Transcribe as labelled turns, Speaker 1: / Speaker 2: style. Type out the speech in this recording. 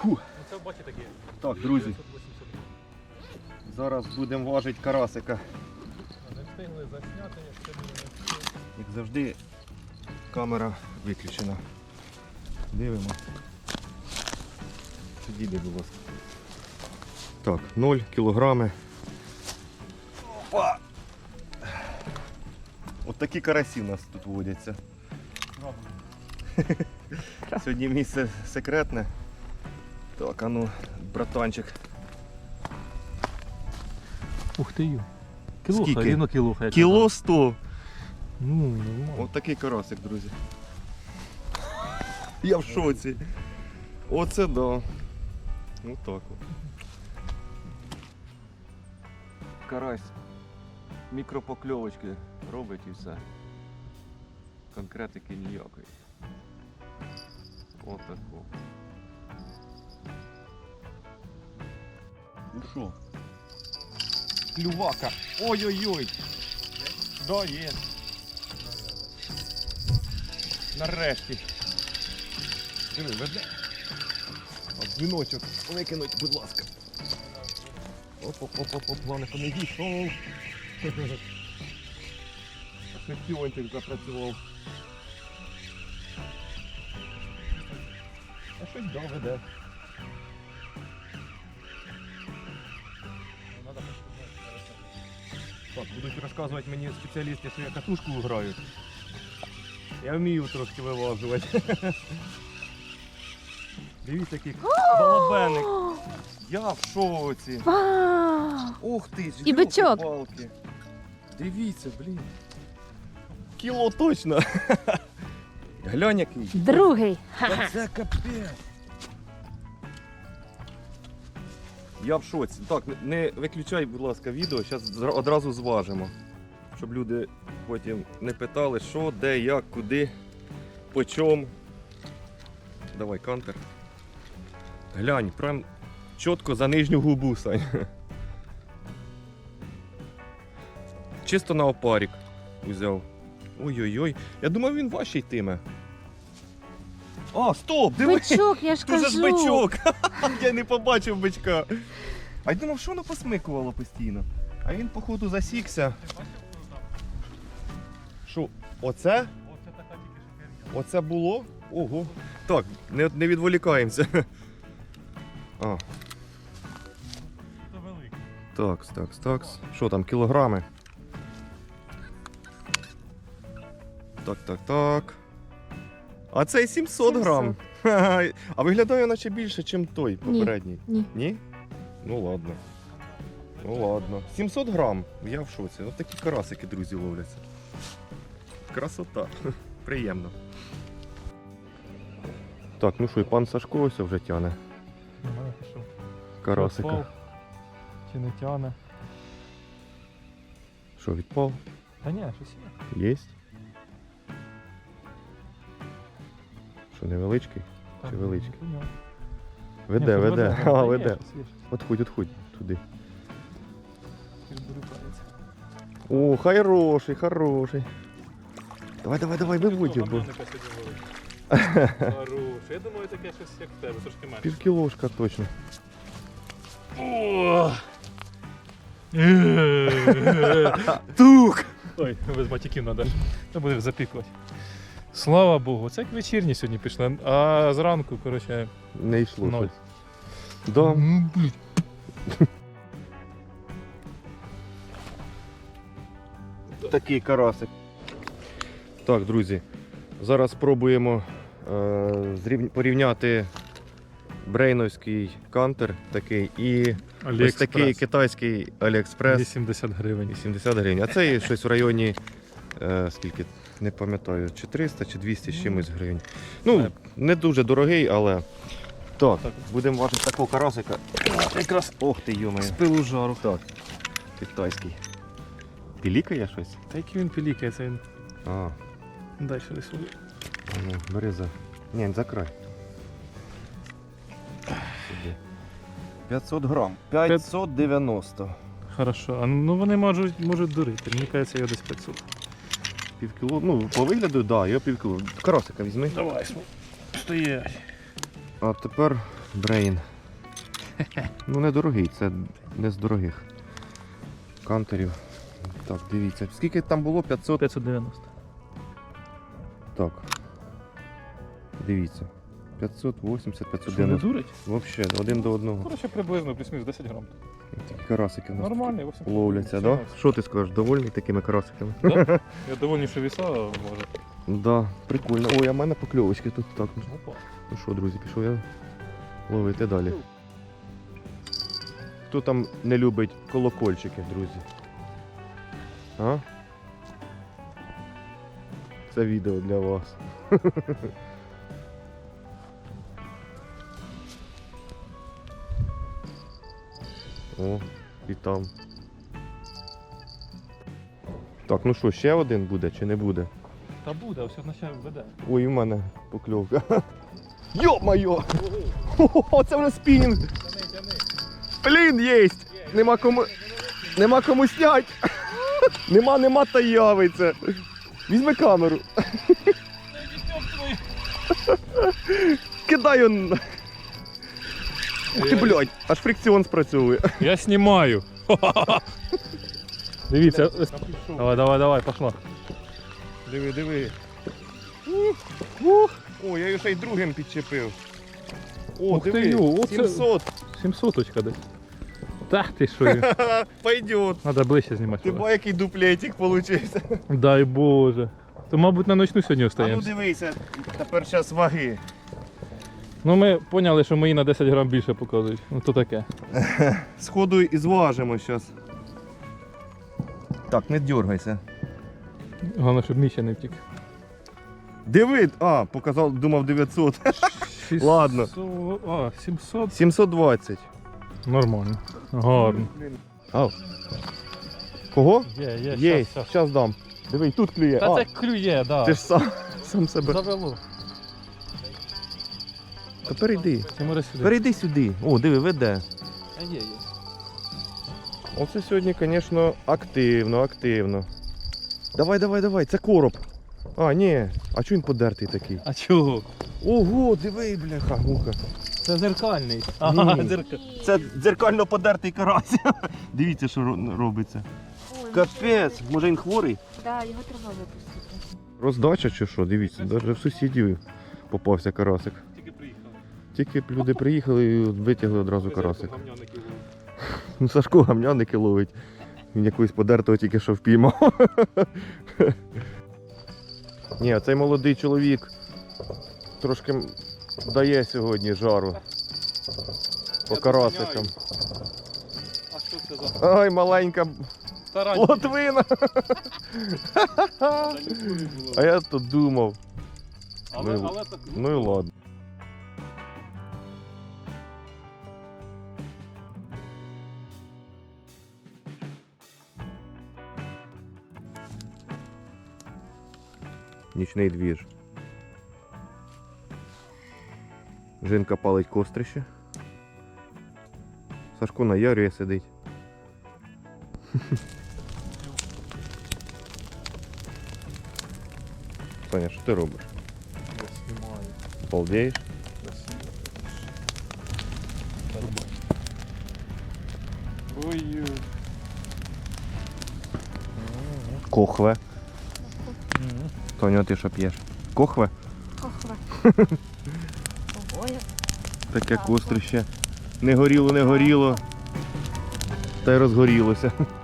Speaker 1: Фу.
Speaker 2: Це бачите такі.
Speaker 1: Так, друзі, зараз будемо важити карасика.
Speaker 2: Не встигли засняти, як це було.
Speaker 1: Як завжди, камера виключена. Дивимо. Підійди, будь ласка. Так, 0 кілограми. Опа! От такі карасі у нас тут водяться. Сьогодні місце секретне. Так, а ну, братанчик.
Speaker 2: Ух ти ю. Кілуха,
Speaker 1: Скільки?
Speaker 2: рівно кілуха. я
Speaker 1: Кіло
Speaker 2: казав.
Speaker 1: 100.
Speaker 2: Ну, нормально.
Speaker 1: Ось такий карасик, друзі. Я в шоці. Оце да. Ось так от. Карась мікропокльовочки робить і все. Конкретики ніякої. Отако. Ну що? Клювака. Ой-ой-ой. Да, є. Нарешті. Диви, веде. От дзвіночок викинуть, будь ласка. Оп-оп-оп-оп, главное, що не дійшов. Шестюнтик запрацював. А щось да, веде. Так, будуть розказувати мені спеціалісти, що я катушку граю. Я вмію трошки виважувати. Дивіться, який балабеник. Я в шоці.
Speaker 3: Вау!
Speaker 1: Ух ти,
Speaker 3: І бичок.
Speaker 1: палки. Дивіться, блін. Кіло точно. Глянь який.
Speaker 3: Другий.
Speaker 1: Та це капець. Я в шоці. Так, не виключай, будь ласка, відео, зараз одразу зважимо. Щоб люди потім не питали, що, де, як, куди, по чому. Давай, кантер. Глянь, прям чітко за нижню губу, Сань. Чисто на опарик узяв. Ой-ой-ой. Я думав, він важчий йтиме. А, стоп! Диви!
Speaker 3: Бичок, я ж
Speaker 1: Тут же ж
Speaker 3: кажу.
Speaker 1: бичок! Я не побачив бичка. А я думав, що воно посмикувало постійно. А він, походу, засікся. Що, оце?
Speaker 2: Оце така тільки що херня.
Speaker 1: Оце було? Ого. Так, не відволікаємося. А,
Speaker 2: Це великий.
Speaker 1: такс. Що там, кілограми? Так. А цей 700 грам. Ха-ха. А виглядає наче більше, ніж той попередній.
Speaker 3: Ні.
Speaker 1: Ні? Ну ладно. 700 грам. Я в шоці. Ось такі карасики, друзі, ловляться. Красота. Приємно. Так, ну що, і пан Сашко ось вже тяне
Speaker 2: Немає що.
Speaker 1: карасика.
Speaker 2: Відпав. Чи не тяне?
Speaker 1: Що, відпав?
Speaker 2: Та ні, щось є.
Speaker 1: Єсть. Що, невеличкий?
Speaker 2: Так,
Speaker 1: Чи величкий?
Speaker 2: ну, понятно.
Speaker 1: Веде,
Speaker 2: Ні, щось
Speaker 1: веде.
Speaker 2: Та
Speaker 1: А,
Speaker 2: є,
Speaker 1: веде.
Speaker 2: щось є, щось.
Speaker 1: Отходь туди.
Speaker 2: Щось брюкається.
Speaker 1: О, хороший. Давай, виводь його.
Speaker 2: Хорош. Я думаю, таке щось як в тебе, трошки менше.
Speaker 1: Півкілошка точно.
Speaker 2: Тук! Ой, без матюків треба. Це буде запікувати. Слава Богу, це як вечірні сьогодні пішли, а зранку, коротше,
Speaker 1: Не йшло
Speaker 2: ноль.
Speaker 1: щось. Да.
Speaker 2: Ну, блін.
Speaker 1: Такий карасик. Так, друзі, зараз спробуємо порівняти брейновський кантер такий і ось такий китайський Аліекспрес.
Speaker 2: 80 гривень.
Speaker 1: 80 гривень. А це є щось в районі, скільки, не пам'ятаю, чи 300, чи 200 з чимось гривень. Ну, не дуже дорогий, але... Так, будемо важити такого карасика. Якраз, ох ти, йомаю.
Speaker 2: З пилу жару.
Speaker 1: Так, китайський. Пілікає щось?
Speaker 2: Та який він пілікає, це він
Speaker 1: А,
Speaker 2: далі рисує.
Speaker 1: ну, бери за... Ні, за край. Сюди. 500 грам. 590.
Speaker 2: Хорошо, а ну вони можуть дурити, мені кажеться, його десь 500.
Speaker 1: Півкіло, ну, по вигляду, так, да, його півкіло. Карасика візьми.
Speaker 2: Давай, стоять.
Speaker 1: А тепер Брейн. Ну недорогий, це не з дорогих кантерів. Так, дивіться. Скільки там було? 500?
Speaker 2: 590.
Speaker 1: Так. Дивіться. 580,
Speaker 2: Що, не
Speaker 1: 590.
Speaker 2: дурить?
Speaker 1: Взагалі, один до одного.
Speaker 2: Коротше, приблизно плюс-мінус 10 грам.
Speaker 1: Такі карасики у нас
Speaker 2: Нормальний, 8
Speaker 1: ловляться, да? Що ти скажеш, довольний такими карасиками?
Speaker 2: Да? Я доволі, що віса може.
Speaker 1: Да, прикольно. Ой, а в мене покльовочки тут так.
Speaker 2: Опа.
Speaker 1: Ну що, друзі, пішов я ловити далі. Хто там не любить колокольчики, друзі? А? Це відео для вас. О, і там. Так, ну що, ще один буде чи не буде?
Speaker 2: Та буде, ось наче веде.
Speaker 1: Ой, у мене покльовка. Йо-моє! О, це вже спінінг! Блін, єсть! Нема кому снять! Нема та явиться! Візьми камеру! Кидай он! Ух ти, блядь, аж фрикціон спрацьовує.
Speaker 2: Я знімаю. Дивіться. Давай, пошла.
Speaker 1: Диви. О, я його ще й другим підчепив. О,
Speaker 2: Ух ти,
Speaker 1: диви,
Speaker 2: йо, оце-
Speaker 1: 700.
Speaker 2: 700-очка десь. Так ти що?
Speaker 1: Пойдет.
Speaker 2: Треба ближче знімати.
Speaker 1: Ти бо який дуплетик получився.
Speaker 2: Дай Боже. То, мабуть, на ночну сьогодні
Speaker 1: А ну
Speaker 2: остаємося.
Speaker 1: дивися, тепер зараз ваги.
Speaker 2: Ну ми поняли, що мої на 10 грам більше показують. Ну то таке.
Speaker 1: Сходу і зважимо зараз. Так, не дергайся.
Speaker 2: Головне, щоб Міша не втік.
Speaker 1: Диви, показав, думав 900. Ладно.
Speaker 2: 700.
Speaker 1: 720.
Speaker 2: Нормально. Гарно.
Speaker 1: Ау. Кого?
Speaker 2: Є,
Speaker 1: Є,
Speaker 2: щас.
Speaker 1: зараз дам. Диви, і тут клює.
Speaker 2: Та це клює, да.
Speaker 1: Ти ж сам себе.
Speaker 2: Завело.
Speaker 1: Та перейди.
Speaker 2: Тимура сюди.
Speaker 1: Перейди сюди. О, диви, веде.
Speaker 2: А є.
Speaker 1: Оце сьогодні, звісно, активно. Давай, це короб. А, ні. А чого він подертий такий?
Speaker 2: А чого?
Speaker 1: Ого, диви, бляха, муха.
Speaker 2: Це зеркальний.
Speaker 1: Це дзеркально подертий карась. Дивіться, що робиться.
Speaker 3: Ой,
Speaker 1: Капець, може він хворий?
Speaker 3: да, його треба випустити.
Speaker 1: Роздача чи що? Дивіться, навіть в сусідів попався карасик.
Speaker 2: Тільки приїхали.
Speaker 1: Тільки люди приїхали і витягли одразу карасик. Ну, Сашко гамняники ловить. Він якогось подертого тільки що впіймав. Ні, цей молодий чоловік трошки дає сьогодні жару по карасикам.
Speaker 2: А що це за
Speaker 1: Ай, маленька
Speaker 2: таранька?
Speaker 1: лотвина. А я тут думав.
Speaker 2: Але так.
Speaker 1: Ну і ладно. Нічний двіж. Жінка палить кострище. Сашко на ярі сидить. Саня, що ти робиш?
Speaker 2: Я знімаю.
Speaker 1: Балдеєш?
Speaker 2: Красиво. Ой.
Speaker 1: Кохве. Тоня, ти що п'єш? Кохве?
Speaker 3: Хохва. Ого, як
Speaker 1: Таке кострище. Не горіло, та й розгорілося.